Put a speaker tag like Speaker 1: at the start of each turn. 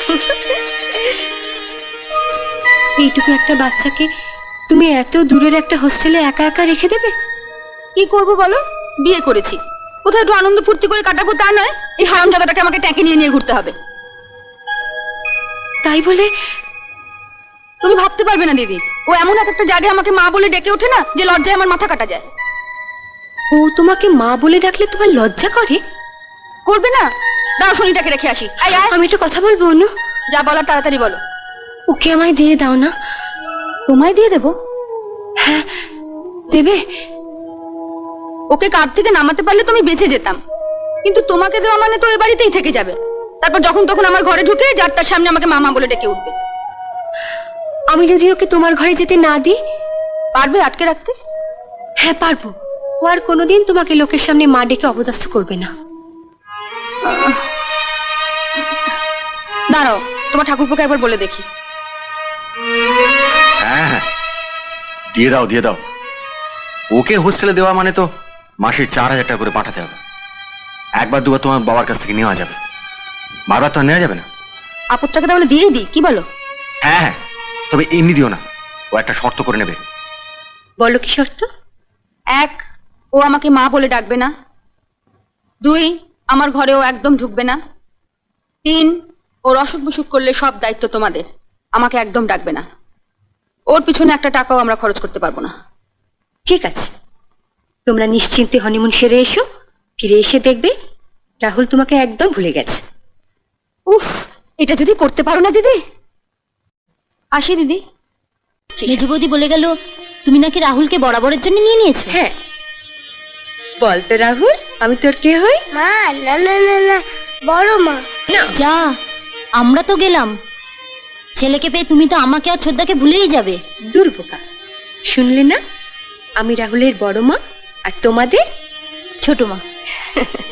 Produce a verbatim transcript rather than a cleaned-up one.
Speaker 1: এইটুকু একটা বাচ্চাকে তুমি এত দূরের একটা হোস্টেলে একা একা রেখে দেবে?
Speaker 2: কি করবো বলো, বিয়ে করেছি, কোথায় একটু আনন্দ ফুর্তি করে কাটাবো তা নয়, এই হারামজাদাটাকে আমাকে ট্যাঁকে নিয়ে নিয়ে ঘুরতে হবে।
Speaker 1: তাই বলে
Speaker 2: তুমি ভাবতে পারবে না দিদি, ও এমন এক একটা জায়গায় আমাকে মা বলে ডেকে ওঠে না, যে লজ্জায় আমার মাথা কাটা যায়।
Speaker 1: ও তোমাকে মা বলে ডাকলে তোমার লজ্জা করে?
Speaker 2: করবে না? দাও শনিটাকে রেখে আসি। আয় আয়।
Speaker 1: আমি একটু কথা বলবো অনু।
Speaker 2: যা বলার তাড়াতাড়ি বলো।
Speaker 1: ওকে আমায় দিয়ে দাও না।
Speaker 2: তোমায় দিয়ে দেবো?
Speaker 1: হ্যাঁ দেবে।
Speaker 2: ওকে কাঁধ থেকে নামাতে পারলে তুমি বেঁচে যেতাম, কিন্তু তোমাকে দেওয়া মানে তো এ বাড়িতেই থেকে যাবে। তারপর যখন তখন আমার ঘরে ঢুকে যার তার সামনে আমাকে মামা বলে ডেকে উঠবে।
Speaker 1: আমি যদি ওকে তোমার ঘরে যেতে না দিই?
Speaker 2: পারবে আটকে রাখতে?
Speaker 1: হ্যাঁ পারবো। ও আর কোনোদিন তোমাকে লোকের সামনে মা ডেকে অপদস্থ করবে না।
Speaker 2: দাঁড়াও, তোমার ঠাকুরপোকে একবার বলে দেখি।
Speaker 3: হ্যাঁ হ্যাঁ দিয়ে দাও দিয়ে দাও। ওকে হোস্টেলে দেওয়া মানে তো মাসে চার হাজার টাকা করে পাঠাতে হবে। একবার দুবার তোমার বাবার কাছ থেকে নেওয়া যাবে, বারবার তো আর নেওয়া যাবে না।
Speaker 2: আপদটাকে তাহলে দিয়েই দিই, কি বলো?
Speaker 3: হ্যাঁ হ্যাঁ, তবে এমনি দিও না, ও একটা শর্ত করে নেবে।
Speaker 1: বলো কি শর্ত?
Speaker 2: এক, ও আমাকে মা বলে ডাকবে না। দুই, আমার ঘরে ও একদম ঢুকবে না। তিন, ওর অসুখ বিসুখ করলে সব দায়িত্ব তোমাদের, আমাকে একদম ডাকবে না। ওর পিছনে একটা টাকাও আমরা খরচ করতে পারবো না।
Speaker 1: ঠিক আছে, তোমরা নিশ্চিন্তে হনিমুন সেরে এসো। ফিরে এসে দেখবে রাহুল তোমাকে একদম ভুলে গেছে।
Speaker 2: উফ, এটা যদি করতে পারো না দিদি। আসি দিদি।
Speaker 4: মেজো বৌদি বলে গেল তুমি নাকি রাহুলকে বরাবরের জন্য নিয়ে নিয়েছো।
Speaker 1: হ্যাঁ বল তো রাহুল, আমি তোর কে হই?
Speaker 5: মা না না না না, বড় মা।
Speaker 1: না
Speaker 4: যা, আমরা তো গেলাম। ছেলেকে পেয়ে তুমি তো আমাকে আর ছোদ্দাকে ভুলেই যাবে।
Speaker 1: দুর্বোকা, শুনলে না? আমি রাহুলের বড় মা আর তোমাদের
Speaker 4: ছোট মা।